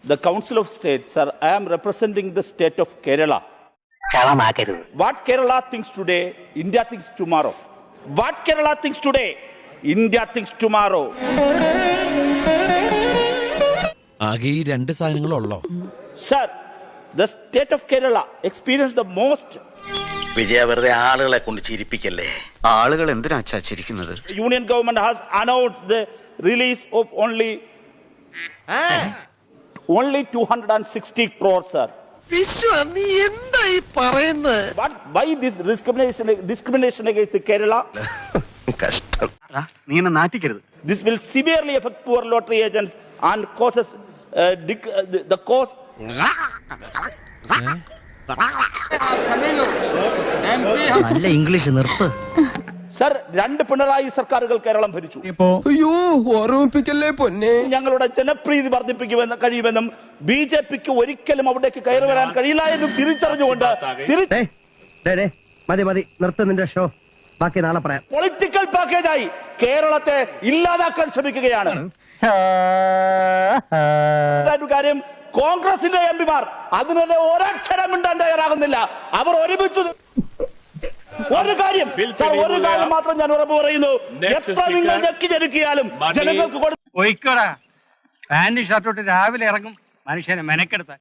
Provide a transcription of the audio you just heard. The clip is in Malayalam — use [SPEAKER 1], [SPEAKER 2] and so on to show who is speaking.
[SPEAKER 1] The Council of State, sir, I am representing the state of Kerala. What Kerala thinks today, India thinks tomorrow. What Kerala thinks today, India thinks tomorrow.
[SPEAKER 2] ആകെ ഈ രണ്ട് സാധനങ്ങളുള്ളോ?
[SPEAKER 1] Sir, the state of Kerala experienced the most.
[SPEAKER 3] വിജയ വെറുതെ ആളുകളെ കൊണ്ട് ചിരിപ്പിക്കല്ലേ.
[SPEAKER 4] ആളുകൾ എന്തിനാ ചിരിക്കുന്നത്?
[SPEAKER 1] Union government has announced the release of only 260 crores, sir. But why this discrimination against the Kerala? This will severely affect poor lottery agents and causes the cause.
[SPEAKER 5] നല്ല ഇംഗ്ലീഷ് നിർത്ത്.
[SPEAKER 1] സർ, 2 പിണറായി സർക്കാരുകൾ കേരളം ഭരിച്ചു. ഞങ്ങളുടെ ജനപ്രീതി വർദ്ധിപ്പിക്കുമെന്ന് കഴിയുമെന്നും BJPക്ക് ഒരിക്കലും അവിടേക്ക് കയറി വരാൻ കഴിയില്ല എന്നും തിരിച്ചറിഞ്ഞുകൊണ്ട്
[SPEAKER 5] മതി നിർത്ത് നിന്റെ ഷോ. ബാക്കി നാളെ പറയാം.
[SPEAKER 1] പൊളിറ്റിക്കൽ പാക്കേജായി കേരളത്തെ ഇല്ലാതാക്കാൻ ശ്രമിക്കുകയാണ്. കാര്യം, കോൺഗ്രസിന്റെ എംപിമാർ അതിനെ ഒരക്ഷരം മിണ്ടാൻ തയ്യാറാകുന്നില്ല. അവർ ഒരുമിച്ച് ഒരു കാര്യം മാത്രം ഞാൻ ഉറപ്പ് പറയുന്നു, എത്ര നിങ്ങൾ ഞെക്കി ജനിക്കിയാലും ജനങ്ങൾക്ക്
[SPEAKER 6] പോയിക്കോടാ. പാന്റ് ഷർട്ടോട്ട് രാവിലെ ഇറങ്ങും മനുഷ്യനെ മെനക്കെടുത്താൻ.